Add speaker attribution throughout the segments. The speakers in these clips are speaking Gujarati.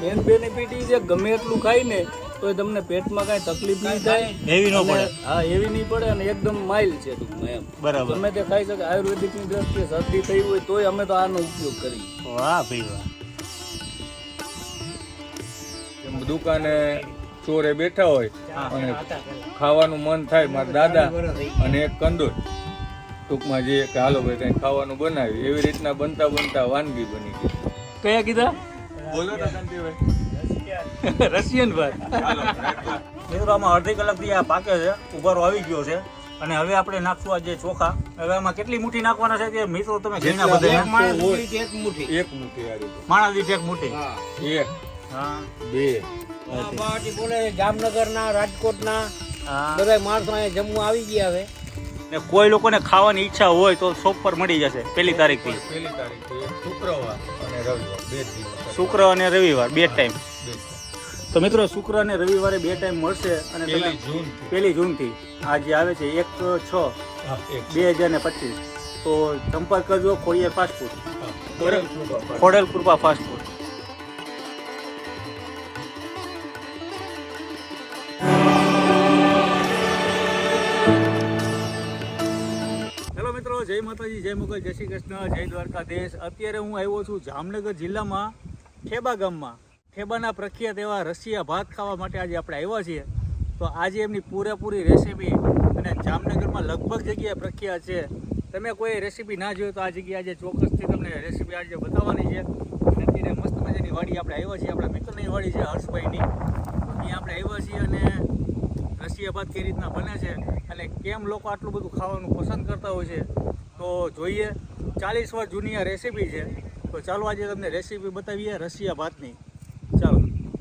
Speaker 1: મેન બેનિફિટ એ છે ગમે એટલું ખાય ને તો તમને પેટમાં કાંઈ તકલીફ નહીં થાય,
Speaker 2: હેવી ન પડે.
Speaker 1: હા હેવી નહીં પડે અને એકદમ માઇલ્ડ છે ટૂંકમાં એમ.
Speaker 2: બરાબર.
Speaker 1: ગમે તે ખાઈ શકે. આયુર્વેદિકની દ્રષ્ટિએ શરદી થઈ હોય તોય અમે તો આનો ઉપયોગ કરીએ.
Speaker 2: વાહ ભાઈ વાહ.
Speaker 3: દુકાને ચોરે બેઠા હોય અને ખાવાનું મન થાય, મારા દાદા અને એક કંદોર ટૂંકમાં જે કે હાલો ભાઈ કંઈ ખાવાનું બનાવ્યું એવી રીતના બનતા બનતા વાનગી બની ગઈ.
Speaker 1: કયા કીધા?
Speaker 3: બોલો ને કાંતિભાઈ.
Speaker 1: રશિયન ભાઈ.
Speaker 2: મિત્રો આમાં અડધી કલાકથી આ પાકે છે, ઉભારો આવી ગયો છે અને હવે આપણે નાખશું આ જે ચોખા. હવે આમાં કેટલી મુઠ્ઠી નાખવાના છે તે મિત્રો તમે ઘીના બધા
Speaker 3: એક મુઠ્ઠી આ રીતે.
Speaker 2: માણા દીઠ એક મુઠ્ઠી.
Speaker 3: એક
Speaker 2: હા
Speaker 3: બે
Speaker 1: બોલે જામનગરના, રાજકોટના
Speaker 2: હા.
Speaker 1: બધા માણસો અહીંયા જમવા આવી ગયા છે.
Speaker 2: ને કોઈ લોકોને ખાવાની ઈચ્છા હોય તો શોપ પર મળી જશે 1 તારીખથી.
Speaker 3: 1 તારીખે શુક્રવાર અને રવિવાર 2 દિવસ.
Speaker 2: શુક્ર અને રવિવાર 2 ટાઈમ.
Speaker 3: 2
Speaker 2: તો મિત્રો શુક્ર અને રવિવારે 2 ટાઈમ મળશે અને તમે
Speaker 3: 1 જૂન
Speaker 2: 1 જૂનથી આ જે આવે છે 1/6/2025 તો સંપર્ક કરજો Khodiyar fast food, Khodal Krupa fast food. Hello મિત્રો, જય માતાજી, જય મુગલ, જય શ્રી કૃષ્ણ, જય દ્વારકાધીશ. અત્યારે હું આવ્યો છું જામનગર જિલ્લામાં ઠેબા ગામમાં. ઠેબાના પ્રખ્યાત એવા રશિયા ભાત ખાવા માટે આજે આપણે આવ્યા છીએ. તો આજે એમની પૂરેપૂરી રેસીપી અને જામનગરમાં લગભગ જગ્યાએ પ્રખ્યાત છે. તમે કોઈ રેસીપી ના જોયો તો આ જગ્યાએ આજે ચોક્કસથી તમને રેસીપી આજે બતાવવાની છે. અને અત્યારે મસ્ત મજાની વાડી આપણે આવ્યા છીએ, આપણા મિત્રની વાડી છે હર્ષભાઈની. તો ત્યાં આપણે આવ્યા છીએ અને રશિયા ભાત કઈ રીતના બને છે અને કેમ લોકો આટલું બધું ખાવાનું પસંદ કરતા હોય છે તો જોઈએ. 40 વર્ષ જૂની આ રેસીપી છે. તો ચાલો આજે તમને રેસીપી બતાવીએ રશિયા ભાતની. ચાલો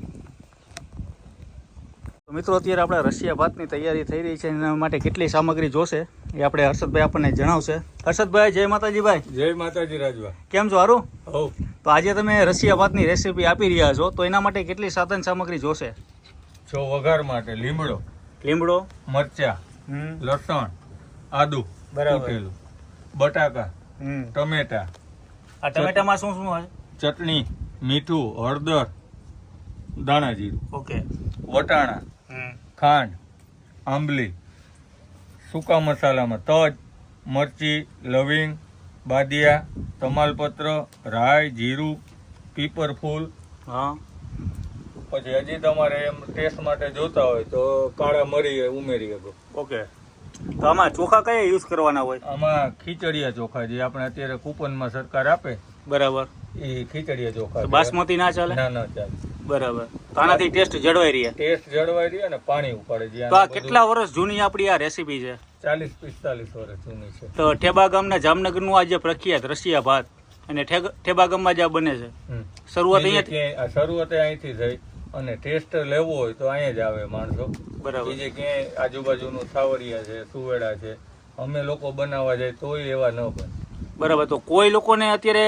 Speaker 2: તો મિત્રો, અત્યારે આપણે રશિયા ભાતની તૈયારી થઈ રહી છે. એના માટે કેટલી સામગ્રી જોશે એ આપણે હર્ષદભાઈ આપણને જણાવશે. હર્ષદભાઈ, જય માતાજી ભાઈ.
Speaker 3: જય માતાજી રાજવા.
Speaker 2: કેમ છો? સારું.
Speaker 3: હો
Speaker 2: તો આજે તમે રશિયા ભાતની રેસીપી આપી રહ્યા છો તો એના માટે કેટલી સાધન સામગ્રી જોશે?
Speaker 3: છો વઘાર માટે લીમડો,
Speaker 2: લીમડો,
Speaker 3: મરચા, લસણ, આદુ
Speaker 2: બરાબર,
Speaker 3: કૂટેલું, બટાકા, ટમેટા,
Speaker 2: આ ટમેટામાં શું શું હોય?
Speaker 3: ચટણી, મીઠું, હળદર, દાણા જીરું,
Speaker 2: ઓકે,
Speaker 3: વટાણા, ખાંડ, આંબલી, સૂકા મસાલામાં તજ, મરચી, લવિંગ, બાદિયા, તમાલપત્ર, રાઈ, જીરું, પીપરફૂલ.
Speaker 2: હા.
Speaker 3: પછી હજી તમારે એમ ટેસ્ટ માટે જોતા હોય તો કાળા મરી ઉમેરી શકો.
Speaker 2: ઓકે. તો આમાં ચોખા કયા યુઝ કરવાના હોય?
Speaker 3: આમાં ખીચડિયા ચોખા જે આપણે અત્યારે કૂપનમાં સરકાર આપે
Speaker 2: બરાબર.
Speaker 3: એ ખીચડિયા ચોખા.
Speaker 2: બાસમતી ના ચાલે?
Speaker 3: ના ના ચાલે.
Speaker 2: બરાબર. તો આનાથી ટેસ્ટ જળવાઈ રહે.
Speaker 3: ટેસ્ટ જળવાઈ રહે અને પાણી ઉપાડે.
Speaker 2: તો આ કેટલા વર્ષ જૂની આપણી આ રેસીપી છે?
Speaker 3: 40-45 વર્ષ જૂની છે.
Speaker 2: તો ઠેબા ગામના જામનગરનું આ જે પ્રખ્યાત રશિયા ભાત અને ઠેબા ગામમાં જ આ બને છે. શરૂઆત અહીંયા
Speaker 3: શરૂઆત અહીંથી થઈ અને ટેસ્ટ લેવો હોય તો અહીંયા જ આવે માણસો.
Speaker 2: બરાબર.
Speaker 3: બીજે ક્યાંય આજુબાજુનું થાવરિયા છે, સુવેડા છે, અમે લોકો બનાવવા જાય તોય એવા ન બને.
Speaker 2: બરાબર. તો કોઈ લોકોને અત્યારે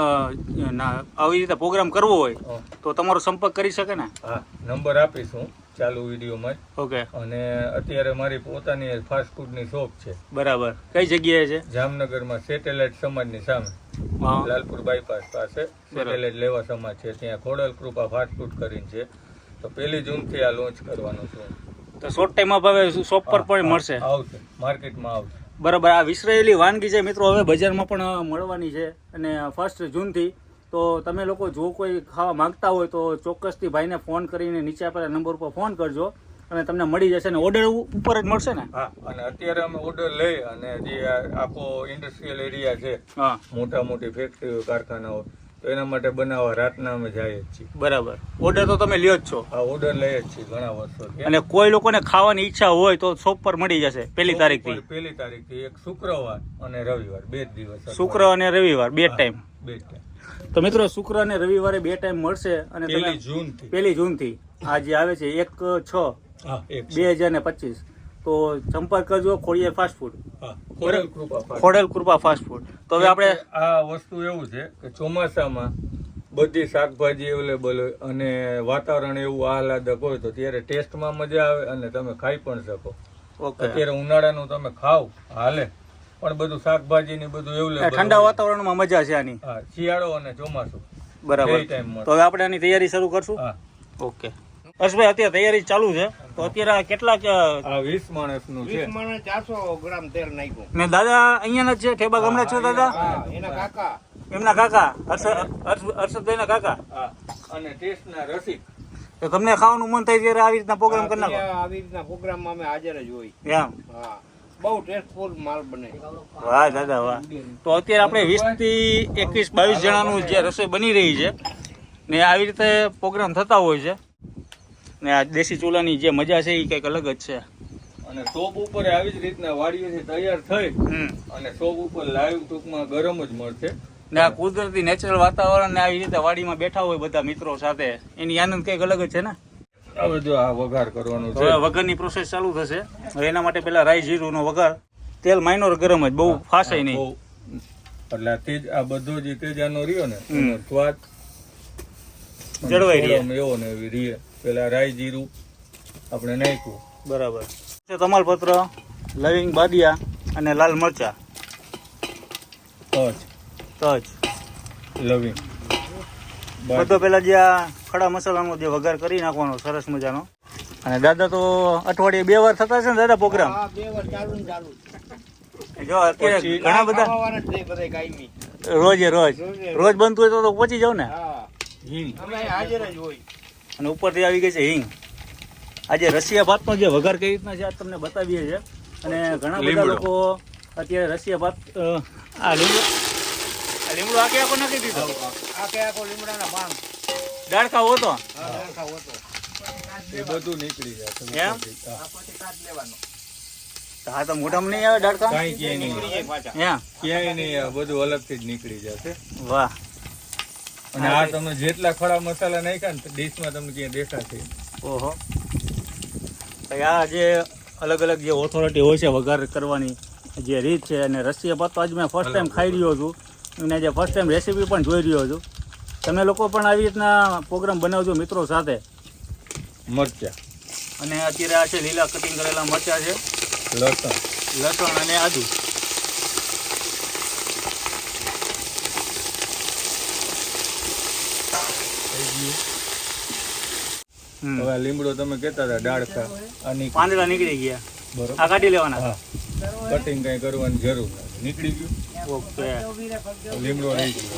Speaker 2: આવી રીતે પ્રોગ્રામ કરવો હોય તો તમારો સંપર્ક કરી શકે ને?
Speaker 3: હા, નંબર આપીશું ચાલુ વિડીયોમાં જ.
Speaker 2: ઓકે.
Speaker 3: અને અત્યારે મારી પોતાની ફાસ્ટ ફૂડની શોપ છે.
Speaker 2: બરાબર. કઈ જગ્યાએ છે?
Speaker 3: જામનગરમાં સેટેલાઇટ સમાજની સામે, લાલપુર બાયપાસ પાસે સેટેલાઇટ લેવા સમાજ છે, ત્યાં ખોડલ કૃપા ફાસ્ટ ફૂડ કરીને છે. તો 1 જૂનથી આ લોન્ચ કરવાનું છું.
Speaker 2: તો શોર્ટ ટાઈમમાં ભાવે શોપ પર પણ મળશે?
Speaker 3: આવશે, માર્કેટમાં આવશે.
Speaker 2: બરાબર. આ વિસરાયેલી વાનગી છે મિત્રો, હવે બજારમાં પણ મળવાની છે અને 1 જૂનથી. તો તમે લોકો જો કોઈ ખાવા માંગતા હોય તો ચોક્કસથી ભાઈને ફોન કરીને નીચે આપેલા નંબર ઉપર ફોન કરજો અને તમને મળી જશે ને ઓર્ડર ઉપર જ મળશે ને?
Speaker 3: હા, અને અત્યારે અમે ઓર્ડર લઈ અને જે આખો ઇન્ડસ્ટ્રીયલ એરિયા છે,
Speaker 2: હા,
Speaker 3: મોટા મોટી ફેક્ટરીઓ, કારખાનાઓ, તો એના માટે બનાવવા રાતના અમે જઈએ જ છીએ.
Speaker 2: બરાબર. ઓર્ડર તો તમે લ્યો જ છો?
Speaker 3: હા, ઓર્ડર લઈએ જ છીએ ઘણા વર્ષોથી.
Speaker 2: અને કોઈ લોકોને ખાવાની ઈચ્છા હોય તો શોપ પર મળી જશે 1 તારીખથી?
Speaker 3: 1 તારીખથી એક શુક્રવાર અને રવિવાર 2 દિવસ.
Speaker 2: શુક્ર અને રવિવાર 2 ટાઈમ.
Speaker 3: 2 ટાઈમ.
Speaker 2: તો મિત્રો શુક્ર અને રવિવારે 2 ટાઈમ મળશે અને
Speaker 3: 1 જૂનથી
Speaker 2: 1 જૂનથી આ જે આવે છે 1/6/2025. તો સંપર્ક કરજો Khodiyar fast food, Khodal Krupa fast food. તો હવે આપણે
Speaker 3: આ વસ્તુ એવું છે કે ચોમાસામાં બધી શાકભાજી અવેલેબલ હોય અને વાતાવરણ એવું આહલાદક હોય તો ત્યારે ટેસ્ટમાં મજા આવે અને તમે ખાઈ પણ શકો. અત્યારે ઉનાળાનું તમે ખાવ હાલે, પણ બધું શાકભાજી ને બધું એવું
Speaker 2: ઠંડા વાતાવરણમાં મજા છે આની.
Speaker 3: હા, શિયાળો અને ચોમાસું
Speaker 2: બરાબર.
Speaker 3: બે ટાઈમ મળે.
Speaker 2: તો હવે આપણે આની તૈયારી શરૂ કરશું.
Speaker 3: હા
Speaker 2: ઓકે હર્ષભાઈ, અત્યારે તૈયારી ચાલુ છે, તો અત્યારે આ કેટલાક
Speaker 3: આ 20 માણસનું છે.
Speaker 4: 400 ગ્રામ તેલ નાખ્યું.
Speaker 2: ને દાદા અહીંયાના જ છે, ઠેબા ગામના છો દાદા?
Speaker 4: એના કાકા
Speaker 2: એમના કાકા હર્ષદભાઈના કાકા.
Speaker 3: હા અને ટેસ્ટના રસિક.
Speaker 2: તો તમને ખાવાનું મન થાય ત્યારે આવી રીતના પ્રોગ્રામ કરી નાખો.
Speaker 4: આવી રીતના પ્રોગ્રામમાં અમે હાજર જ હોય.
Speaker 2: એમ?
Speaker 4: હા, બહુ ટેસ્ટફુલ માલ બને.
Speaker 2: વાહ દાદા વાહ. તો અત્યારે આપણે 20 થી 21 22 જણાનું જે રસોઈ બની રહી છે ને આવી રીતે પ્રોગ્રામ થતા હોય છે ને આ દેશી ચૂલાની જે મજા છે એ કંઈક અલગ જ છે.
Speaker 3: અને શોપ ઉપર આવી જ રીતના વાડીઓથી તૈયાર થઈ અને શોપ ઉપર લાઈવ ટૂંકમાં ગરમ જ મળશે.
Speaker 2: ને આ કુદરતી નેચરલ વાતાવરણ ને આવી રીતે વાડીમાં બેઠા હોય બધા મિત્રો સાથે, એની આનંદ કંઈક અલગ જ છે ને.
Speaker 3: હવે જો આ વઘાર કરવાનું છે.
Speaker 2: હવે વઘારની પ્રોસેસ ચાલુ થશે. હવે એના માટે પેલા રાઈ જીરુંનો વઘાર, તેલ માઇનોર ગરમ જ, બહુ ફાસાય નહીં.
Speaker 3: બહુ. એટલે આ તેજ આ બધો જે તેજાનો રહ્યો ને એનો સ્વાદ
Speaker 2: જળવાઈ રહે.
Speaker 3: થોડો એવો ને એવી રહે. પેલા રાઈ જીરું આપણે નાખ્યું.
Speaker 2: બરાબર. તમાલપત્ર, લવિંગ, બાદિયા અને લાલ મરચા,
Speaker 3: તજ,
Speaker 2: તજ,
Speaker 3: લવિંગ,
Speaker 2: બધો પેલા જે આ ખડા મસાલાનો જે વઘાર કરી નાખવાનો સરસ મજાનો. અને દાદા તો અઠવાડિયે 2 વાર થતા છે ને દાદા પ્રોગ્રામ?
Speaker 4: હા, 2 વાર ચાલુ ને ચાલુ.
Speaker 2: જો અત્યારે
Speaker 3: પછી
Speaker 2: ઘણા બધા
Speaker 4: ખાવાના જ નહીં બધાય કાયમી.
Speaker 2: રોજ બનતું હોય તો પહોંચી જાવ ને.
Speaker 4: હા,
Speaker 3: હિંગ.
Speaker 4: અમે હાજર જ હોય.
Speaker 2: અને ઉપરથી આવી ગઈ છે હિંગ. આજે રશિયા ભાતનો જે વઘાર કઈ રીતના છે આ તમને બતાવીએ છીએ. અને ઘણા બધા
Speaker 3: લીમડો.
Speaker 2: લોકો અત્યારે રશિયા ભાત આ લીમડો આખે આખો નાખી દીધો.
Speaker 4: આખો લીમડાના પાન.
Speaker 2: ડાળખા હોતો
Speaker 4: હા, સરખા હોતો.
Speaker 3: એ બધું નીકળી જશે.
Speaker 2: એમ?
Speaker 3: હા.
Speaker 4: આ પછી કાઢ લેવાનો.
Speaker 2: હા તો મોઢામાં નહીં આવે ડાળખા?
Speaker 3: કાંઈ ક્યાંય નહીં.
Speaker 4: નીકળી જાય પાછા.
Speaker 2: હા,
Speaker 3: ક્યાંય નહીં આ બધું અલગથી જ નીકળી જશે.
Speaker 2: વાહ.
Speaker 3: અને આ તમે જેટલા ખડા મસાલા નાખ્યા ને ડીશમાં તમને ક્યાંય દેખાશે.
Speaker 2: ઓહો. ભાઈ આ જે અલગ અલગ જે ઓથોરિટી હોય છે વઘાર કરવાની જે રીત છે, અને રશિયા ભાત તો આજ મેં ફર્સ્ટ ટાઈમ ખાઈ રહ્યો છું અને જે ફર્સ્ટ ટાઈમ રેસીપી પણ જોઈ રહ્યો છું. તમે લોકો પણ આવી રીતના પ્રોગ્રામ બનાવજો મિત્રો સાથે.
Speaker 3: મરચા,
Speaker 2: અને અત્યારે આ છે લીલા કટિંગ કરેલા મરચાં છે,
Speaker 3: લસણ,
Speaker 2: લસણ અને આદુ.
Speaker 3: હવે આ લીમડો તમે કહેતા હતા ડાળખા આની
Speaker 2: પાંદડા નીકળી ગયા,
Speaker 3: બરોબર.
Speaker 2: આ કાઢી લેવાના.
Speaker 3: હા, કટિંગ કઈ કરવાની જરૂર નથી. નીકળી ગયું.
Speaker 2: ઓકે.
Speaker 3: લીમડો રહી ગયો.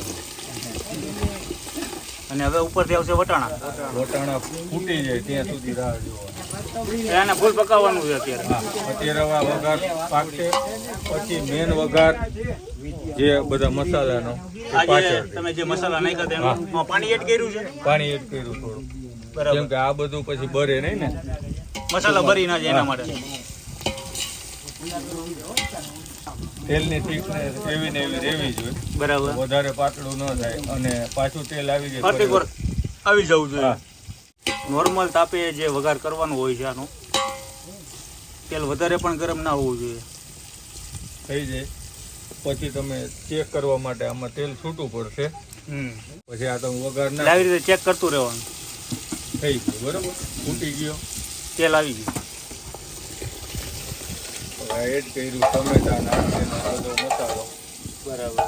Speaker 2: અને હવે ઉપરથી આવશે વટાણા.
Speaker 3: વટાણા ફૂટી જાય ત્યાં સુધી રાહ જોવાની.
Speaker 2: એને ફૂલ પકાવવાનું છે અત્યારે.
Speaker 3: હા, અત્યારે હવે આ વઘાર પાકશે. પછી મેન વઘાર જે બધા મસાલાનો એ
Speaker 2: આજે
Speaker 3: પાછળ
Speaker 2: તમે જે મસાલા નાખ્યા હતા એમાં પાણી એડ કર્યું છે?
Speaker 3: પાણી એડ કર્યું થોડું.
Speaker 2: બરાબર.
Speaker 3: કેમ કે આ બધું પછી બરે નહીં ને.
Speaker 2: મસાલા ભરી ના જાય એના માટે.
Speaker 3: તેલની થીકનેસ એવી ને એવી રહેવી જોઈએ.
Speaker 2: બરાબર.
Speaker 3: વધારે પાતળું ન થાય અને પાછું તેલ આવી જાય.
Speaker 2: પ્રતિક વાર આવી જવું જોઈએ.
Speaker 3: હા.
Speaker 2: નોર્મલ તાપે જે વઘાર કરવાનું હોય છે આનું, તેલ વધારે પણ ગરમ ના હોવું જોઈએ.
Speaker 3: થઈ જાય પછી તમે ચેક કરવા માટે આમાં તેલ છૂટું પડશે. પછી આ તમે વઘાર
Speaker 2: એટલે
Speaker 3: ના
Speaker 2: આવી રીતે ચેક કરતું રહેવાનું.
Speaker 3: થઈ ગયું બરોબર. ફૂટી ગયો.
Speaker 2: તેલ આવી ગયું.
Speaker 3: હવે એડ કર્યું ટમેટા નાખીને બધો મસાલો.
Speaker 2: બરાબર.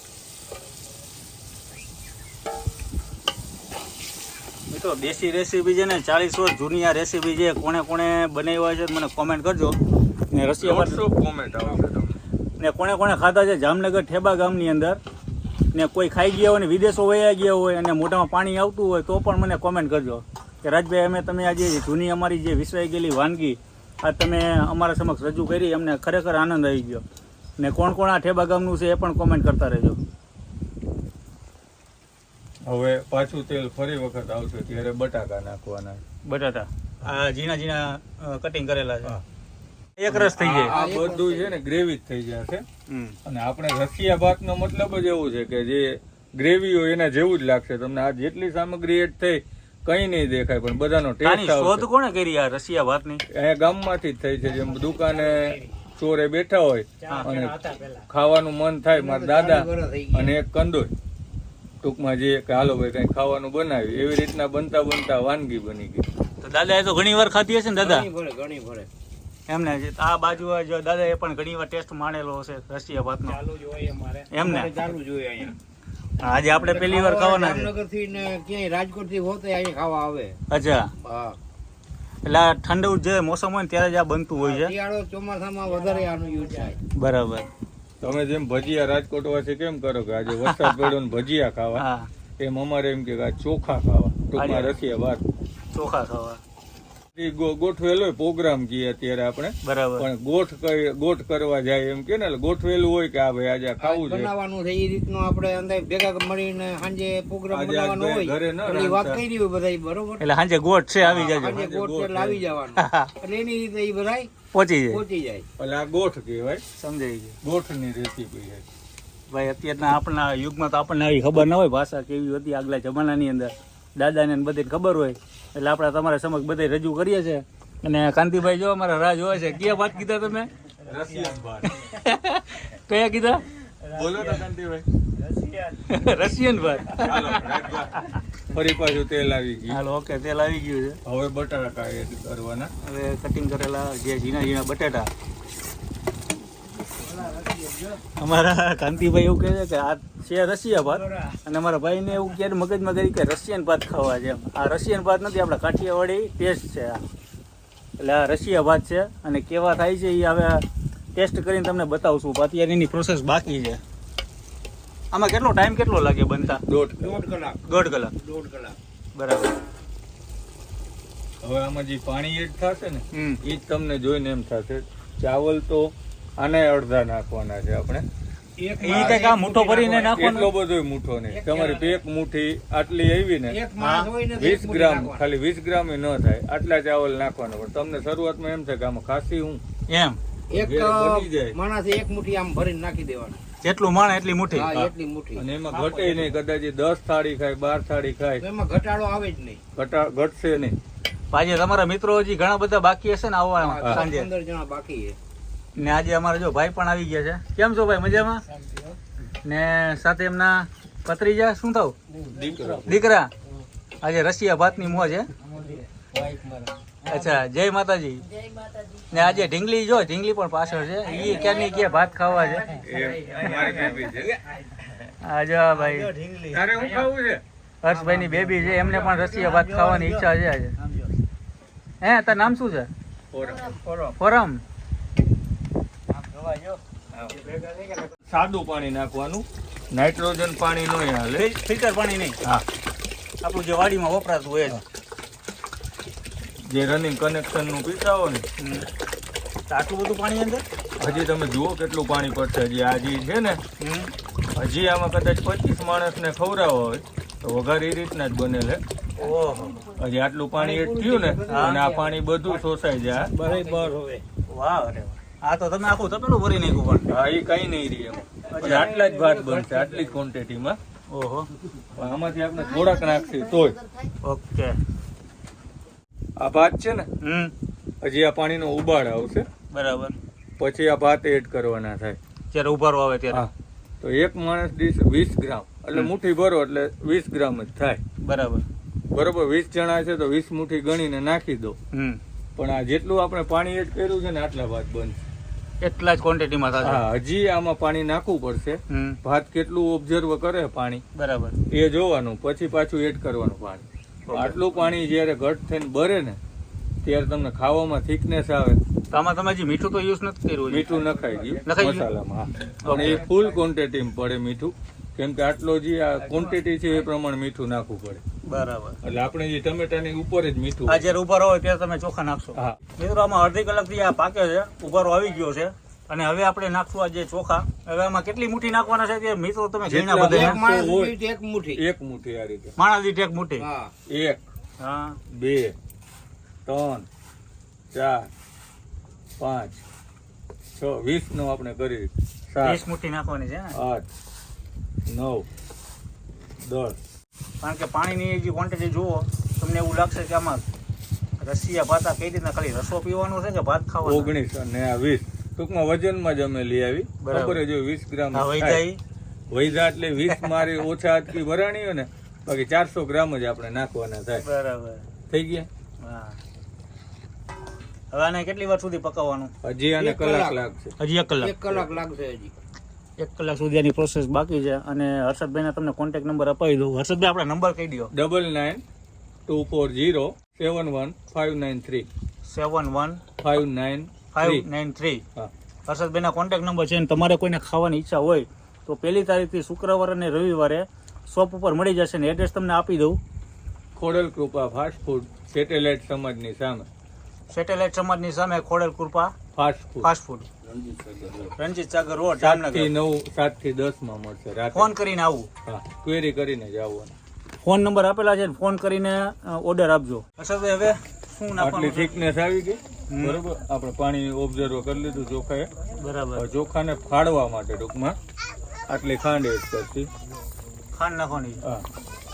Speaker 2: મિત્રો દેશી રેસીપી છે ને 40 વર્ષ જૂની આ રેસીપી છે, કોણે કોણે બનાવ્યા છે મને કોમેન્ટ કરજો. ને રશિયા ભાત
Speaker 3: કોમેન્ટ આવશે તમને.
Speaker 2: ને કોણે કોણે ખાધા છે જામનગર ઠેબા ગામની અંદર, ને કોઈ ખાઈ ગયા હોય ને વિદેશો વયા ગયા હોય અને મોઢામાં પાણી આવતું હોય તો પણ મને કોમેન્ટ કરજો કે રાજભાઈ અમે તમે આજે જૂની અમારી જે વિસરાઈ ગયેલી વાનગી આ તમે અમારા સમક્ષ રજૂ કરી, અમને ખરેખર આનંદ આવી ગયો. ને કોણ કોણ આ ઠેબા ગામનું છે એ પણ કોમેન્ટ કરતા રહેજો.
Speaker 3: હવે પાછું તેલ ફરી વખત આવશે ત્યારે બટાકા નાખવાના.
Speaker 2: બટાટા આ ઝીણા ઝીણા કટિંગ કરેલા છે.
Speaker 3: હા.
Speaker 2: એક રસ થઈ જાય.
Speaker 3: આ બધું છે ને ગ્રેવી જ થઈ જશે. અને આપણે રશિયા ભાતનો મતલબ જ એવું છે કે જે ગ્રેવી હોય એના જેવું જ લાગશે તમને. આ જેટલી સામગ્રી એડ થઈ કઈ નહીં દેખાય પણ બધાનો
Speaker 2: આની
Speaker 3: ટેસ્ટ
Speaker 2: શોધ
Speaker 3: આવશે.
Speaker 2: કોણે કરી આ રશિયા ભાતની?
Speaker 3: અહીંયા ગામમાંથી જ થઈ છે. જેમ દુકાને ચોરે બેઠા હોય અને ખાવાનું મન થાય, મારા દાદા અને એક કંદોય ટૂંકમાં જે કે હાલો ભાઈ કઈ ખાવાનું બનાવ્યું એવી રીતના બનતા બનતા વાનગી બની ગઈ.
Speaker 2: તો દાદા એ તો ઘણી વાર ખાધી હશે ને દાદા?
Speaker 4: ઘણી ભરે.
Speaker 2: એમને આ બાજુ જો દાદા એ પણ ઘણી વાર ટેસ્ટ માણેલો હશે રશિયા ભાતનો.
Speaker 4: ચાલુ જ હોય અમારે.
Speaker 2: એમને
Speaker 4: ચાલુ જ હોય અહીંયા.
Speaker 2: આજે આપણે પહેલી વાર ખાવાના છે.
Speaker 4: જામનગર થી ને ક્યાંય રાજકોટ થી હોતે અહીં ખાવા આવે.
Speaker 2: અચ્છા,
Speaker 4: હા,
Speaker 2: એટલે આ ઠંડુ જે મોસમ હોય ને ત્યારે જ આ બનતું હોય છે.
Speaker 4: શિયાળો ચોમાસામાં વધારે આનું યુઝ થાય.
Speaker 2: બરાબર.
Speaker 3: તમે જેમ ભજીયા રાજકોટ વાસી કેમ કરો કે આજે વરસાદ પડ્યો ને ભજીયા ખાવા,
Speaker 2: હા,
Speaker 3: એમ અમારે એમ કે આ ચોખા ખાવા, ટૂંકમાં રસિયા ભાત.
Speaker 2: ચોખા ખાવા.
Speaker 3: ઈ ગોઠવેલો પ્રોગ્રામ કીએ અત્યારે આપણે,
Speaker 2: બરાબર.
Speaker 3: પણ ગોઠ કરવા જાય એમ કે ને, એટલે ગોઠવેલું હોય કે આ ભાઈ આજે આ ખાવું છે.
Speaker 4: બનાવવાનું છે એ રીતનું આપણે અંદર ભેગા મળીને સાંજે પ્રોગ્રામ
Speaker 3: આજે
Speaker 4: બનાવવાનો
Speaker 3: આજ
Speaker 4: હોય
Speaker 3: ઘરે ન
Speaker 4: એટલે ઈ વાત
Speaker 3: રાંધતા.
Speaker 4: કરી હોય બધાય, બરોબર.
Speaker 2: એટલે સાંજે ગોઠ છે આવી જાજો,
Speaker 4: સાંજે ગોળ છે એટલે આવી જવાનું એટલે એની રીતે ઈ બધાય
Speaker 2: પહોંચી જાય.
Speaker 4: પહોંચી જાય.
Speaker 3: એટલે આ ગોઠ કહેવાય,
Speaker 2: સમજાઈ ગયું.
Speaker 3: ગોઠની રેસીપી છે.
Speaker 2: ભાઈ અત્યારના આપણા યુગમાં તો આપણને આવી ખબર ન હોય ભાષા કેવી હતી આગલા જમાનાની અંદર, દાદાને ને બધી ખબર હોય એટલે આપણે તમારા સમક્ષ બધે રજૂ કરીએ છીએ. અને કાંતિભાઈ જો અમારા રાહ જોવે છે. કયા વાત કીધા તમે?
Speaker 3: રસિયન ભાત.
Speaker 2: કયા કીધા?
Speaker 3: બોલો ને કાંતિભાઈ.
Speaker 2: રશિયન ભાત.
Speaker 3: ચાલો, રાખજો. ફરી પાછું તેલ આવી ગયું.
Speaker 2: હાલો, ઓકે, તેલ આવી ગયું છે.
Speaker 3: હવે બટાકા એડ કરવાના.
Speaker 2: હવે કટિંગ કરેલા જે ઝીણા ઝીણા બટાટા. અમારા કાંતિભાઈ એવું કહે છે કે આ છે રશિયા ભાત, અને અમારા ભાઈને એવું ક્યારે મગજમાં કરી કે રશિયન ભાત ખાવા છે. આ રશિયન ભાત નથી, આપણા કાઠિયાવાડી ટેસ્ટ છે આ. એટલે આ રશિયા ભાત છે, અને કેવા થાય છે એ હવે ટેસ્ટ કરીને તમને બતાવશું. અત્યારે એની પ્રોસેસ બાકી છે. આમાં કેટલો ટાઈમ કેટલો લાગે બનતા?
Speaker 3: દોઢ
Speaker 4: દોઢ કલાક.
Speaker 2: દોઢ કલાક.
Speaker 4: દોઢ કલાક.
Speaker 2: બરાબર.
Speaker 3: હવે આમાં જે પાણી એડ થશે ને,
Speaker 2: હમ.
Speaker 3: એ જ તમને જોઈને એમ થશે. ચાવલ તો આને અડધા નાખવાના છે આપણે.
Speaker 2: એ કંઈક આ મુઠ્ઠો ભરીને નાખવાનો?
Speaker 3: એટલો બધો મુઠ્ઠો નહીં. તમારી એક મુઠ્ઠી આટલી આવી ને,
Speaker 4: એક માણસ હોય ને તો
Speaker 3: 20
Speaker 4: એક મુઠ્ઠી
Speaker 3: ગ્રામ,
Speaker 4: નાખવાનું.
Speaker 3: ખાલી 20 ગ્રામ ન થાય આટલા ચાવલ નાખવાના. પણ તમને શરૂઆતમાં એમ થાય કે આમાં ખાસી હું
Speaker 2: એમ
Speaker 4: એક
Speaker 3: ઘેર બની જાય.
Speaker 4: માણસે એક મુઠ્ઠી આમ ભરીને નાખી દેવાનું.
Speaker 2: જેટલું માણે એટલી મુઠ્ઠી.
Speaker 4: હા, એટલી મુઠ્ઠી.
Speaker 3: અને એમાં ઘટે નહીં. કદાચ એ 10 થાળી ખાય, 12 થાળી ખાય,
Speaker 4: એમાં ઘટાડો આવે જ નહીં.
Speaker 3: ઘટશે નહીં.
Speaker 2: આજે તમારા મિત્રો હજી ઘણા બધા બાકી હશે ને આવવા
Speaker 3: હા.
Speaker 2: સાંજે.
Speaker 4: 15 જણા બાકી છે.
Speaker 2: ને આજે અમારા જો ભાઈ પણ આવી ગયા છે. કેમ છો ભાઈ? મજામાં? ને સાથે એમના પત્રીજા શું થયું? દીકરા. આજે રશિયા ભાતની મોજ છે. અચ્છા, જય માતાજી. ને આજે ઢીંગલી જો, ઢીંગલી પણ પાછળ છે. એ ક્યારની કે ભાત ખાવા છે.
Speaker 3: એ મારી બેબી છે.
Speaker 2: આજે ભાઈ
Speaker 3: તારે શું ખાવું છે?
Speaker 2: હર્ષભાઈ ની બેબી છે, એમને પણ રશિયા ભાત ખાવાની ઈચ્છા છે આજે. હે, તાર નામ શું છે? ફોરમ.
Speaker 3: સાદું પાણી નાખવાનું, નાઇટ્રોજન પાણી ન હાલે.
Speaker 2: ફિલ્ટર પાણી નહીં.
Speaker 3: હા,
Speaker 2: આપણું જે વાડીમાં વપરાતું હોય છે.
Speaker 3: જે રનિંગ કનેક્શન નું પીતા હો ને.
Speaker 2: તો આટલું બધું પાણી અંદર?
Speaker 3: હજી તમે જુઓ કેટલું પાણી પડશે. હજી આ જે છે ને, હજી આમાં કદાચ 25 માણસને ખવડાવવા હોય તો વઘાર એ રીતના જ બનેલ.
Speaker 2: ઓહો,
Speaker 3: હજી આટલું પાણી એડ થયું ને, અને આ પાણી બધું શોષાઈ જાય.
Speaker 4: બરાબર હવે.
Speaker 2: વાહ, અરે વાહ. આ તો તમે આખું તપેલું ભરી નાખ્યું પણ.
Speaker 3: હા, એ કઈ નહીં રહી એમ. પછી આટલા જ ભાત બનશે, આટલી જ ક્વોન્ટિટીમાં.
Speaker 2: ઓહો,
Speaker 3: પણ આમાંથી આપણે થોડાક નાખશે તોય.
Speaker 2: ઓકે.
Speaker 3: આ ભાત છે ને, હજી આ પાણીનો ઉબાળ આવશે,
Speaker 2: બરાબર.
Speaker 3: પછી આ ભાત એડ કરવાના થાય.
Speaker 2: જ્યારે ઉભારો આવે ત્યારે.
Speaker 3: હા, તો એક માણસ દીઠ 20 ગ્રામ, એટલે મુઠ્ઠી ભરો એટલે 20 ગ્રામ જ થાય.
Speaker 2: બરાબર.
Speaker 3: બરોબર, 20 જણા છે તો 20 મુઠ્ઠી ગણીને નાખી દો. પણ આ જેટલું આપણે પાણી એડ કર્યું છે ને, આટલા ભાત બનશે.
Speaker 2: એટલા જ ક્વોન્ટિટીમાં થશે.
Speaker 3: હા, હજી આમાં પાણી નાખવું પડશે. ભાત કેટલું ઓબ્ઝર્વ કરે પાણી,
Speaker 2: બરાબર.
Speaker 3: એ જોવાનું, પછી પાછું એડ કરવાનું પાણી. આટલું પાણી જ્યારે ઘટ થઈને બરે ને, ત્યારે તમને ખાવામાં થિકનેસ આવે.
Speaker 2: તો આમાં તમે હજી મીઠું તો યુઝ નથી કર્યું?
Speaker 3: મીઠું નખાઈ ગયું
Speaker 2: નખાઈ ગયું?
Speaker 3: મસાલામાં. હા, પણ એ ફૂલ ક્વોન્ટિટીમાં પડે મીઠું, કેમ કે આટલો જે આ ક્વોન્ટિટી છે એ પ્રમાણે મીઠું નાખવું પડે.
Speaker 2: બરાબર.
Speaker 3: એટલે આપણે જે ટમેટાની ઉપર જ મીઠું.
Speaker 2: આ જ્યારે ઉભારો હોય ત્યારે તમે ચોખા નાખશો?
Speaker 3: હા.
Speaker 2: મિત્રો, આમાં અડધી કલાકથી આ પાકે છે, ઉભારો આવી ગયો છે, અને હવે આપણે નાખશું આ જે ચોખા. હવે આમાં કેટલી મુઠ્ઠી નાખવાના છે તે મિત્રો તમે ગણ્યા
Speaker 3: જેટલા
Speaker 2: બધા?
Speaker 4: એક માણસ દીઠ એક મુઠ્ઠી.
Speaker 3: એક મુઠ્ઠી આ રીતે.
Speaker 2: માણસ દીઠ એક મુઠ્ઠી.
Speaker 4: હા.
Speaker 3: 1
Speaker 2: હા,
Speaker 3: 2 3 4 5 6 20 નો આપણે કરી.
Speaker 2: 30 મુઠ્ઠી નાખવાની છે ને?
Speaker 3: 8 9 10.
Speaker 2: કારણ કે પાણીની જે ક્વોન્ટિટી જુઓ, તમને એવું લાગશે કે આમાં રશિયા ભાત કઈ રીતના ખાલી રસો પીવાનો છે કે ભાત ખાવાનો?
Speaker 3: 19 અને આ 20 ટૂંકમાં વજનમાં જ અમે લઈ આવી.
Speaker 2: બરાબર.
Speaker 3: ખબર જો 20 ગ્રામ
Speaker 2: હા, વહી
Speaker 3: થાય.
Speaker 2: જાય.
Speaker 3: વૈધા એટલે 20 મારી ઓછા હાથથી ભરાણી હોય ને, બાકી 400 ગ્રામ જ આપણે નાખવાના થાય.
Speaker 2: બરાબર.
Speaker 3: થઈ ગયા.
Speaker 2: હા. હવે આને કેટલી વાર સુધી પકાવવાનું?
Speaker 3: હજી આને કલાક લાગશે.
Speaker 2: હજી 1 કલાક.
Speaker 4: 1 કલાક લાગશે હજી.
Speaker 2: 1 કલાક સુધી આની પ્રોસેસ બાકી છે. અને હર્ષદભાઈને તમને કોન્ટેક્ટ નંબર અપાવી દઉં. હર્ષદભાઈ આપણા નંબર કહી દો.
Speaker 3: 9924071593
Speaker 2: 71593.
Speaker 3: હા.
Speaker 2: હર્ષદભાઈના કોન્ટેક્ટ નંબર છે. અને તમારે કોઈને ખાવાની ઈચ્છા હોય તો 1 તારીખથી શુક્રવાર અને રવિવારે શોપ ઉપર મળી જશે. ને એડ્રેસ તમને આપી દઉં.
Speaker 3: Khodal Krupa fast food satellite સમાજની સામે.
Speaker 2: સેટેલાઇટ સમાજની સામે Khodal Krupa fast food, Ranjit Sagar road, Jamnagar.
Speaker 3: 7 થી 10 માં મળશે રાતે.
Speaker 2: ફોન કરીને આવું.
Speaker 3: હા, ક્વેરી કરીને જ આવવાનું.
Speaker 2: ફોન નંબર આપેલા છે. ફોન કરીને ઓર્ડર આપજો. હર્ષદભાઈ હવે શું
Speaker 3: આટલી
Speaker 2: નાખવાનું છે?
Speaker 3: થિકનેસ આવી ગઈ બરોબર. આપણે પાણી ઓબ્ઝર્વ કરી લીધું ચોખાએ.
Speaker 2: બરાબર.
Speaker 3: હવે ચોખાને ફાડવા માટે ટૂંકમાં આટલી ખાંડ એડ કરતી.
Speaker 2: ખાંડ નાખવાની છે.
Speaker 3: હા,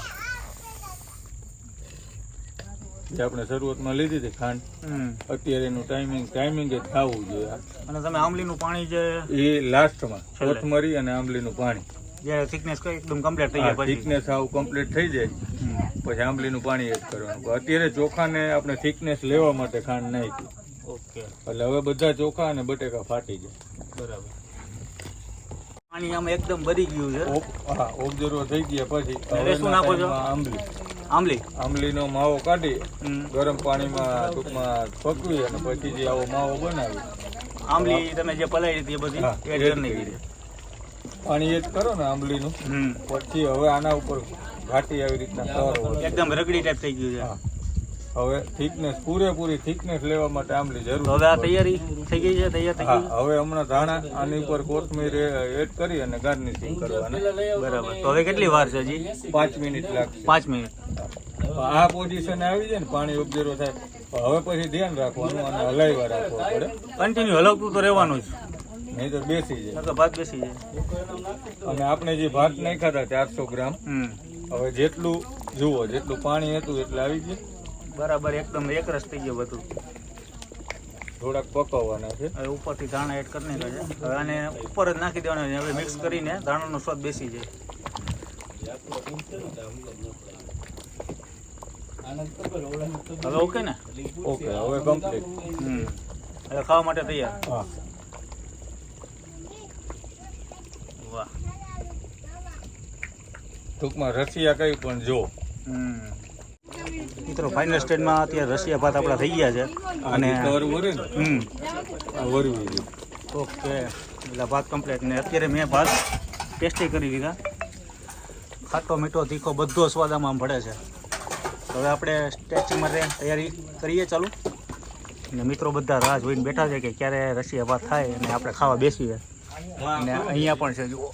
Speaker 3: જે આપણે શરૂઆતમાં લીધી હતી ખાંડ, અત્યારે એનું ટાઈમિંગ જ થવું જોઈએ.
Speaker 2: અને તમે આંબલીનું પાણી જે
Speaker 3: એ લાસ્ટમાં
Speaker 2: છેલ્લે.
Speaker 3: કોથમરી અને આંબલીનું પાણી.
Speaker 2: જ્યારે થિકનેસ એકદમ કમ્પ્લીટ થઈ જાય પછી
Speaker 3: થિકનેસ આવું કમ્પ્લીટ થઈ જાય પછી આંબલીનું પાણી એડ કરવાનું. અત્યારે ચોખાને આપણે થિકનેસ લેવા માટે ખાંડ નાખી.
Speaker 2: ઓકે,
Speaker 3: એટલે હવે બધા ચોખા અને બટેકા ફાટી જાય.
Speaker 2: બરાબર. પાણી આમ એકદમ બળી ગયું છે.
Speaker 3: હા, ઓબ્ઝર્વ થઈ ગયા પછી
Speaker 2: હવે શું નાખો છો?
Speaker 3: આંબલી.
Speaker 2: આંબલી.
Speaker 3: આંબલીનો માવો કાઢી
Speaker 2: હમ.
Speaker 3: ગરમ પાણીમાં ટૂંકમાં પકવી અને પછી જે આવો માવો બનાવી
Speaker 2: આંબલી તમે જે પલાળી હતી એ બધી
Speaker 3: હા,
Speaker 2: એડ
Speaker 3: એડ
Speaker 2: કરી નાખી છે.
Speaker 3: પાણી એડ કરો ને આંબલીનું. પછી હવે આના ઉપર ઘાટી આવી રીતના કરો.
Speaker 2: એકદમ રગડી ટાઈપ થઈ ગયું છે.
Speaker 3: હા, હવે થિકનેસ પૂરેપૂરી થિકનેસ લેવા માટે આંબલી
Speaker 2: તો
Speaker 3: જરૂર.
Speaker 2: હવે આ તૈયારી થઈ ગઈ છે. તૈયાર થઈ ગઈ.
Speaker 3: હા, હવે હમણાં ધાણા આની ઉપર કોથમીર એડ કરી અને ગાર્નિશિંગ કરવાનું.
Speaker 2: બરાબર. તો હવે કેટલી વાર છે હજી?
Speaker 3: 5 મિનિટ લાગશે.
Speaker 2: 5 મિનિટ.
Speaker 3: આ પોઝિશન આવી જાય ને પાણી ઓબ્ઝર્વ થાય હવે પછી ધ્યાન રાખવાનું અને હલાવ્યા રાખવા પડે.
Speaker 2: કન્ટિન્યુ હલવતું તો રહેવાનું જ,
Speaker 3: નહીં તો બેસી જાય.
Speaker 2: નકર ભાત બેસી જાય.
Speaker 3: અને આપણે જે ભાત નાખ્યા હતા 400 ગ્રામ, હવે જેટલું જુઓ જેટલું પાણી હતું એટલે આવી ગયું.
Speaker 2: બરાબર, એકદમ એકરસ થઈ ગયો બધું.
Speaker 3: થોડાક પકવવાના છે.
Speaker 2: હવે ઉપરથી ધાણા એડ કરી નાખ્યા છે. હવે આને ઉપર જ નાખી દેવાના છે. હવે મિક્સ કરીને ધાણાનો સ્વાદ બેસી જાય. હવે ઓકે ને?
Speaker 3: ઓકે, હવે કમ્પ્લીટ.
Speaker 2: હવે ખાવા માટે તૈયાર.
Speaker 3: હા,
Speaker 2: વાહ.
Speaker 3: ટૂંકમાં રસિયા કઈ પણ જો.
Speaker 2: મિત્રો ફાઇનલ સ્ટેજમાં અત્યારે રશિયા ભાત આપણા થઈ ગયા છે. અને
Speaker 3: કવર વરે ને આ વરવી ગયું.
Speaker 2: ઓકે, એટલે ભાત કમ્પ્લીટ. ને અત્યારે મેં ભાત ટેસ્ટી કરી દીધા. ખાટો મીઠો તીખો બધો સ્વાદ આમાં ભળે છે. હવે આપણે ટેસ્ટિંગ માટે તૈયારી કરીએ ચાલુ. અને મિત્રો બધા રાહ જોઈને બેઠા છે કે ક્યારે રશિયા ભાત થાય અને આપણે ખાવા બેસીએ. અને અહીંયા પણ છે જુઓ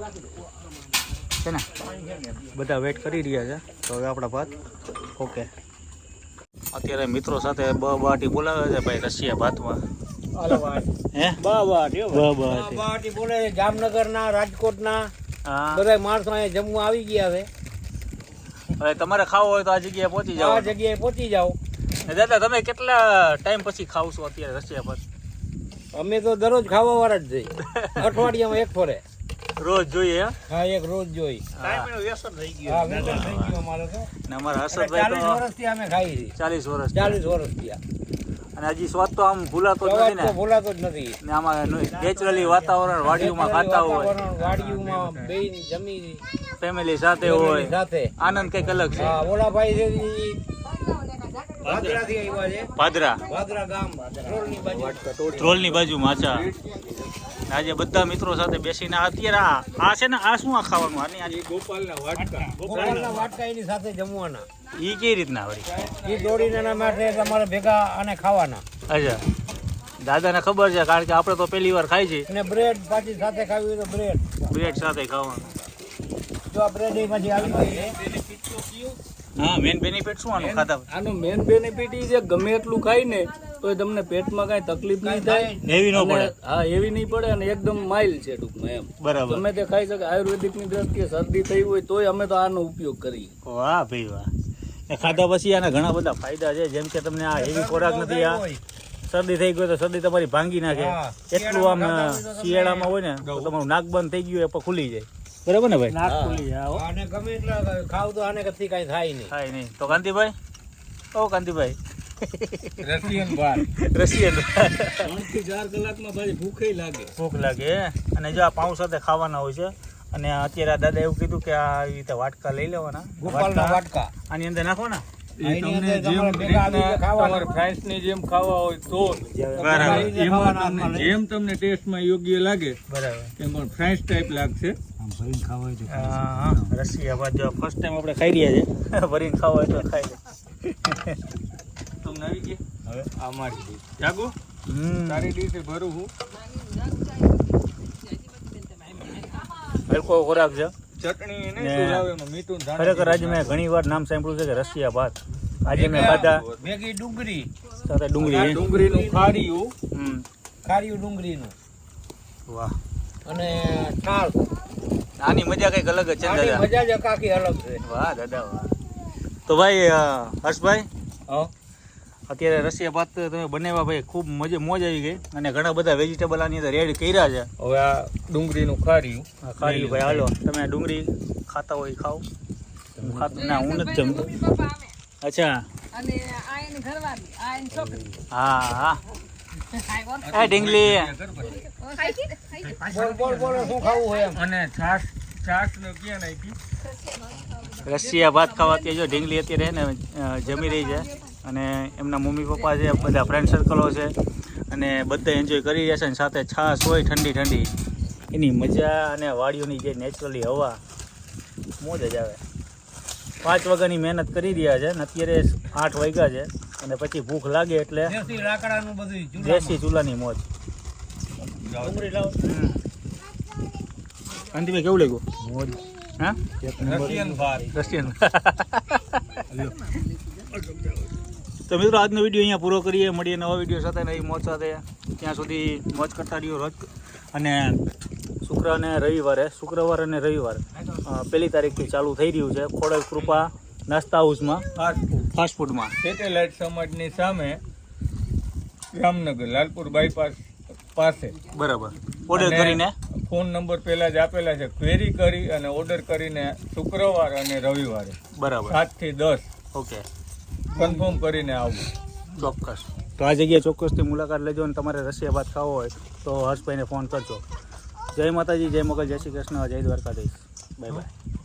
Speaker 2: છે ને, બધા વેઇટ કરી રહ્યા છે. તો હવે આપણા ભાત ઓકે. અત્યારે મિત્રો સાથે બાટી બોલાવે છે ભાઈ રશિયા ભાતમાં. હે
Speaker 4: બાટી બોલે જામનગરના, રાજકોટના
Speaker 2: હા.
Speaker 4: બધા માણસો અહીંયા જમવા આવી ગયા છે.
Speaker 2: હવે તમારે ખાવો હોય તો આ જગ્યાએ પહોંચી
Speaker 4: આ
Speaker 2: જાઓ.
Speaker 4: જગ્યાએ પહોંચી જાઓ.
Speaker 2: દાદા તમે કેટલા ટાઈમ પછી ખાવ છો અત્યારે રશિયા ભાત?
Speaker 4: અમે તો દરરોજ ખાવા વાળા જ જઈએ. અઠવાડિયામાં એક ફરે.
Speaker 2: રોજ જોઈએ.
Speaker 4: હા, એક રોજ જોઈ. હા, વ્યસન થઈ ગયું અમારે તો.
Speaker 2: ને અમારા હર્ષદભાઈ
Speaker 4: 40
Speaker 2: તો
Speaker 4: વર્ષથી અમે ખાઈ છીએ.
Speaker 2: 40 વર્ષ.
Speaker 4: 40 વર્ષથી આ.
Speaker 2: અને હજી સ્વાદ તો આમ ભૂલાતો જ નથી
Speaker 4: સવાદ
Speaker 2: ને.
Speaker 4: તો ભૂલાતો જ નથી.
Speaker 2: ને આમાં નેચરલી વાતાવરણ વાડીઓમાં ખાતા હોય,
Speaker 4: વાતાવરણ, વાડીઓમાં બેહીને જમી
Speaker 2: ફેમિલી સાથે
Speaker 4: family
Speaker 2: હોય,
Speaker 4: સાથે.
Speaker 2: આનંદ કંઈક અલગ છે.
Speaker 4: હા, ઓલા ભાઈ છે ઈ ભાદરાથી આવ્યા છે.
Speaker 2: ભાદરા
Speaker 4: ભાદરા ગામ રોડની બાજુ.
Speaker 2: ધ્રોલની બાજુમાં. અચ્છા. આજે બધા મિત્રો સાથે બેસીને અત્યારે આ છે ને, આ શું આ ખાવાનું? આની આજે
Speaker 3: ગોપાલના વાટકા.
Speaker 4: ગોપાલના વાટકા એની સાથે જમવાના.
Speaker 2: ઈ કેવી રીતના વળી?
Speaker 4: એ દોડીને એના માટે તમારે ભેગા અને ખાવાના.
Speaker 2: અચ્છા, દાદાને ખબર છે કારણ કે આપણે તો પહેલી વાર ખાઈ છે.
Speaker 4: અને બ્રેડ પાછી સાથે ખાવી હોય તો બ્રેડ.
Speaker 2: બ્રેડ સાથે ખાવાનું.
Speaker 4: જો આ બ્રેડ એ પાછી આવી ગઈ છે.
Speaker 2: હા, મેન બેનિફિટ શું આનું ખાતા?
Speaker 1: આનું મેન બેનિફિટ એ છે ગમે એટલું ખાય ને તો તમને પેટમાં કાંઈ તકલીફ નહીં થાય.
Speaker 2: હેવી ન
Speaker 1: અને
Speaker 2: પડે.
Speaker 1: હા, એવી નહીં પડે અને એકદમ માઇલ છે ટૂંકમાં એમ.
Speaker 2: બરાબર.
Speaker 1: ગમે તે ખાઈ શકે. આયુર્વેદિકની દ્રષ્ટિએ શરદી થઈ હોય તોય અમે તો આનો ઉપયોગ કરીએ.
Speaker 2: વાહ ભાઈ વાહ. એ ખાધા પછી આના ઘણા બધા ફાયદા છે. જેમ કે તમને આ હેવી ખોરાક નથી, આ શરદી થઈ ગઈ તો શરદી તમારી ભાંગી નાખે.
Speaker 4: હા.
Speaker 2: એટલું આમ શિયાળામાં હોય ને તો તમારું નાક બંધ થઈ ગયું એ પણ ખુલી જાય. બરાબર ને ભાઈ? નાક ખુલી જાય. હો.
Speaker 4: આને ગમે એટલા ખાવ તો આને કથી કાંઈ થાય નહીં.
Speaker 2: થાય નહીં તો કાંતિભાઈ, ઓ કાંતિભાઈ,
Speaker 3: રશિયન ભાત.
Speaker 2: રશિયન
Speaker 1: 3 થી 4 કલાકમાં ભાઈ ભૂખે લાગે.
Speaker 2: ભૂખ લાગે અને જો આ પાઉં સાથે ખાવાના હોય છે. અને અત્યારે આ દાદા એવું કીધું કે આ આવી રીતે વાટકા લઈ લેવાના,
Speaker 4: ગોપાલના વાટકા
Speaker 2: આની અંદર નાખવાના.
Speaker 3: એ તમને જેમ રીતના તમારે ફ્રાઈસની જેમ ખાવા હોય તો
Speaker 2: બરાબર.
Speaker 3: એમાં તમને જેમ તમને ટેસ્ટમાં યોગ્ય લાગે
Speaker 2: બરાબર.
Speaker 3: એમ પણ ફ્રાઈસ ટાઈપ લાગશે.
Speaker 2: હા, રશિયા ભાત જો ફર્સ્ટ ટાઈમ આપણે ખાઈ રહ્યા છે. ભરીને ખાવા હોય તો ખાઈ લે.
Speaker 3: તમને આવી ગયા હવે આ મારી ડીશ જાગો. તારી ડીશ ભરું હું.
Speaker 2: હલકો ખોરાક છે.
Speaker 3: ચટણી
Speaker 2: ને
Speaker 3: નહીં સુલાવે એમાં મીઠું ધાણા
Speaker 2: ખરેખર આજે મેં ઘણી વાર નામ સાંભળ્યું છે કે રશિયા ભાત. આજે મેં ખાધા
Speaker 4: ભેગી ડુંગળી,
Speaker 2: સાથે
Speaker 3: આ
Speaker 2: ડુંગળી.
Speaker 3: ડુંગળીનું ખારીયું
Speaker 2: હમ.
Speaker 4: ખારીયું ડુંગળીનું
Speaker 2: વાહ,
Speaker 4: અને છાલ.
Speaker 2: આની મજા કંઈક અલગ જ છે
Speaker 4: આની
Speaker 2: દાદા.
Speaker 4: મજા જ આખી અલગ છે.
Speaker 2: વાહ દાદા વાહ. તો ભાઈ હર્ષભાઈ,
Speaker 3: હા
Speaker 2: અત્યારે રશિયા ભાત તમે બનાવ્યા ભાઈ, ખૂબ મોજ આવી ગઈ. અને ઘણા બધા વેજીટેબલ આની અંદર એડ કર્યા છે.
Speaker 3: હવે આ ડુંગળીનું ખારીયું
Speaker 2: ખારી ભાઈ હાલો, તમે ડુંગળી ખાતા હોય ખાઓ. હું ખાતો ના, હું નથી જમતો. અચ્છા,
Speaker 5: અને આ એની ઘરવાળી, આ એની છોકરી.
Speaker 2: હા હા. એ ઢીંગલી,
Speaker 4: બોલ બોલ શું ખાવું હોય એમ.
Speaker 3: અને છાશ નો ક્યાં નાખી?
Speaker 2: રશિયા ભાત ખાવા અત્યારે જો ઢીંગલી અત્યારે ને જમી રહી છે. અને એમના મમ્મી પપ્પા છે, બધા ફ્રેન્ડ સર્કલો છે, અને બધા એન્જોય કરી રહ્યા છે. અને સાથે છાશ હોય ઠંડી ઠંડી, એની મજા અને વાડીઓની જે નેચરલી હવા, મોજ જ આવે. 5 વાગ્યાની મહેનત કરી રહ્યા છે ને અત્યારે 8 વાગ્યા છે. અને પછી ભૂખ લાગે એટલે
Speaker 4: દેશી લાકડાનું બધું ચૂલામાં.
Speaker 2: દેશી ચૂલાની મોજ.
Speaker 4: ડુંગળી લાવો.
Speaker 2: અંતિમે કેવું લાગ્યું?
Speaker 4: મોજ.
Speaker 2: હા,
Speaker 3: રશિયન ભાત.
Speaker 2: રશિયન. તો મિત્રો આજનો વિડીયો અહીંયા પૂરો કરીએ. મળીએ નવા વિડીયો સાથે, નવી મોજ સાથે. ત્યાં સુધી મોજ કરતા રહ્યો રોજ. અને શુક્ર અને રવિવારે, શુક્રવાર અને રવિવાર 1 તારીખથી ચાલુ થઈ રહ્યું છે ખોડલ કૃપા નાસ્તા હાઉસમાં, ફાસ્ટ ફૂડમાં.
Speaker 3: સેટેલાઇટ સમાજની સામે જામનગર લાલપુર બાયપાસ પાસે.
Speaker 2: બરાબર. ઓર્ડર
Speaker 3: અને
Speaker 2: કરીને
Speaker 3: ફોન નંબર પહેલા જ આપેલા છે. ક્વેરી કરી અને ઓર્ડર કરીને શુક્રવાર અને રવિવારે
Speaker 2: બરાબર.
Speaker 3: 7 થી 10
Speaker 2: ઓકે,
Speaker 3: કન્ફર્મ કરીને આવવું.
Speaker 2: ચોક્કસ. તો આ જગ્યાએ ચોક્કસથી મુલાકાત લેજો. અને તમારે રશિયા ભાત ખાવો હોય તો હર્ષભાઈને ફોન કરજો. જય માતાજી, જય મોગલ, જય શ્રી કૃષ્ણ, જય દ્વારકાધીશ. Bye bye.